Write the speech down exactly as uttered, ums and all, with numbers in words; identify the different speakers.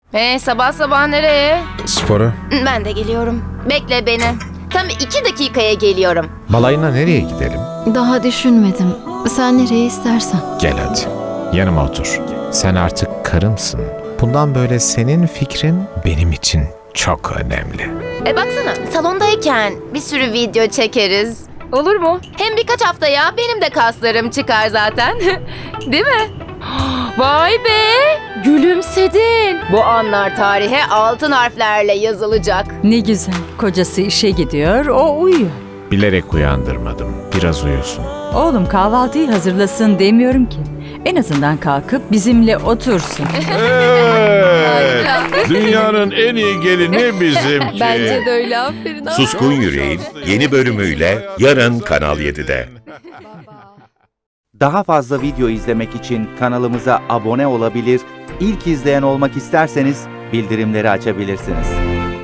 Speaker 1: Ee, sabah sabah nereye?
Speaker 2: Spora.
Speaker 1: Ben de geliyorum. Bekle beni. Tam iki dakikaya geliyorum.
Speaker 2: Balayına nereye gidelim?
Speaker 3: Daha düşünmedim. Sen nereye istersen.
Speaker 2: Gel hadi. Yanıma otur. Sen artık karımsın. Bundan böyle senin fikrin benim için çok önemli.
Speaker 1: E baksana, salondayken bir sürü video çekeriz. Olur mu? Hem birkaç haftaya benim de kaslarım çıkar zaten. Değil mi? Vay be! Gülümsedin. Bu anlar tarihe altın harflerle yazılacak.
Speaker 4: Ne güzel. Kocası işe gidiyor, o uyuyor.
Speaker 2: Bilerek uyandırmadım. Biraz uyusun.
Speaker 4: Oğlum kahvaltıyı hazırlasın demiyorum ki. En azından kalkıp bizimle otursun.
Speaker 5: Evet. Dünyanın en iyi gelini bizimki.
Speaker 1: Bence de öyle, aferin.
Speaker 6: Suskun Yüreğin yeni bölümüyle yarın Kanal yedide.
Speaker 7: Daha fazla video izlemek için kanalımıza abone olabilir, ilk izleyen olmak isterseniz bildirimleri açabilirsiniz.